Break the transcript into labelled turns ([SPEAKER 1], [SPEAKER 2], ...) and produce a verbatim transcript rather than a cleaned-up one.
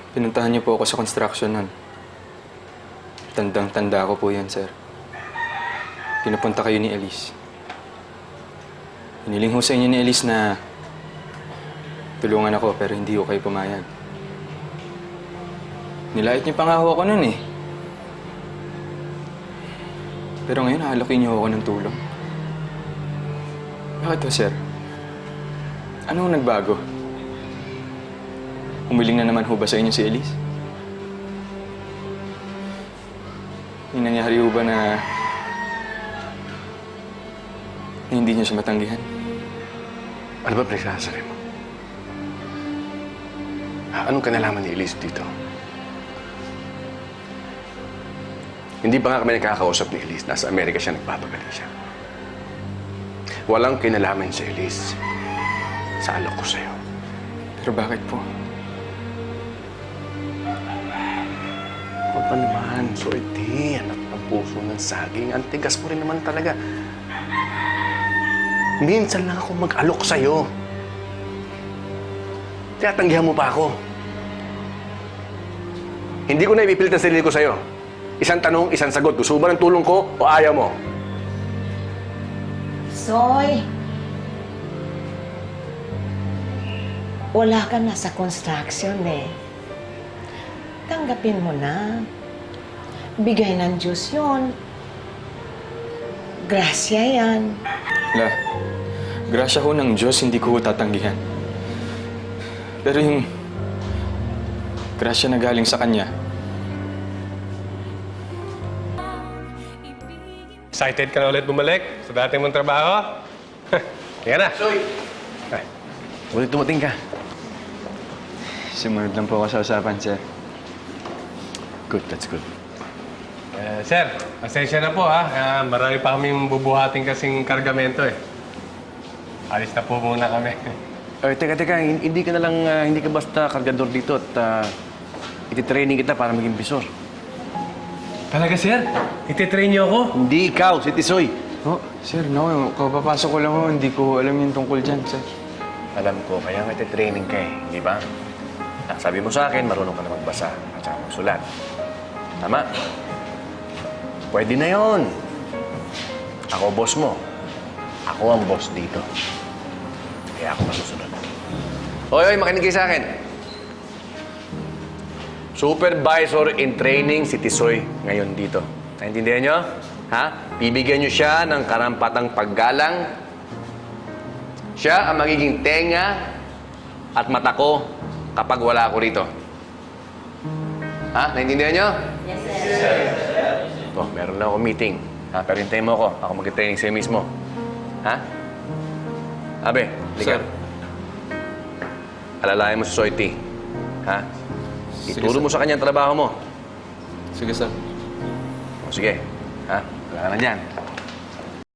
[SPEAKER 1] Pinuntahan niyo po ako sa construction nun. Tandang-tanda ko po yan, sir. Pinapunta kayo ni Elise. Hiniling ho sa inyo ni Elise na tulungan ako pero hindi ko kayo pumayag. Nilait niyo pa nga ho ako nun eh. Pero ngayon, hahalokin niyo ako ng tulong. Bakit to, sir? Ano ang nagbago? Humiling na naman ho ba sa inyo si Elise? Yung nangyari ho ba na, na hindi niyo siya matanggihan?
[SPEAKER 2] Ano ba pinagsasabi mo? Ha, anong kanalaman ni Elise dito? Hindi pa nga kami nakakausap ni Elise. Nasa Amerika siya, nagpapagali siya. Walang kinalaman si Elise sa alok ko sa'yo.
[SPEAKER 1] Pero bakit po?
[SPEAKER 2] Huwag pa naman, Swerte. Anak ng puso ng saging. Ang tigas mo rin naman talaga. Minsan lang ako mag-alok sa'yo. Tinatanggihan mo pa ako. Hindi ko na ipipilit ang sarili ko sa'yo. Isang tanong, isang sagot. Gusto mo ba ng tulong ko o ayaw mo?
[SPEAKER 3] Soy! Wala ka na sa construction eh. Tanggapin mo na. Bigay ng Diyos yun. Grasya yan.
[SPEAKER 1] La, grasya ho ng Diyos, hindi ko ho tatanggihan. Pero yung grasya na galing sa Kanya,
[SPEAKER 4] Excited ka na ulit bumalik sa dati mong trabaho? Kaya na.
[SPEAKER 2] Soy! Ay, ulit dumating ka.
[SPEAKER 1] sumunod lang po ako sa usapan, sir.
[SPEAKER 2] Good, that's good.
[SPEAKER 4] Eh, sir, pasensya na po ha. Uh, marami pa kaming bubuhating kasing kargamento eh. Alis na po muna kami.
[SPEAKER 2] Ay, teka, teka. Hindi ka na lang, uh, hindi ka basta kargador dito at uh, ititraining kita para maging bisor.
[SPEAKER 4] Talaga, sir? Ititrain niyo ako?
[SPEAKER 2] Hindi ikaw, si Tisoy.
[SPEAKER 1] Oh, sir, no. Kapapasok ko lang ho. Hindi ko alam yung tungkol dyan, sir.
[SPEAKER 2] Alam ko, kaya nga ititraining ka eh, di ba? Sabi mo sa akin, marunong ka na magbasa at saka magsulat. Tama? Pwede na yon. Ako boss mo. Ako ang boss dito. Kaya ako masusunod. Hoy, hoy, makinig kayo sa akin. Supervisor in training si Tisoy ngayon dito. Naintindihan nyo? Ha? Bibigyan nyo siya ng karampatang paggalang. Siya ang magiging tenga at mata ko kapag wala ako rito. Ha? Naintindihan nyo? Yes, sir. Oh, meron lang ako meeting. Ha? Pero hintayin mo ako. Ako mag-training sa'yo mismo. Ha? Abe, lika.
[SPEAKER 1] Sir.
[SPEAKER 2] Alalayan mo si Soiti. Ha?
[SPEAKER 1] Sige,
[SPEAKER 2] Ituro
[SPEAKER 1] sir.
[SPEAKER 2] mo sa kanya ang trabaho mo.
[SPEAKER 1] Sige, sir.
[SPEAKER 2] O, sige. Ha? Wala ka na dyan.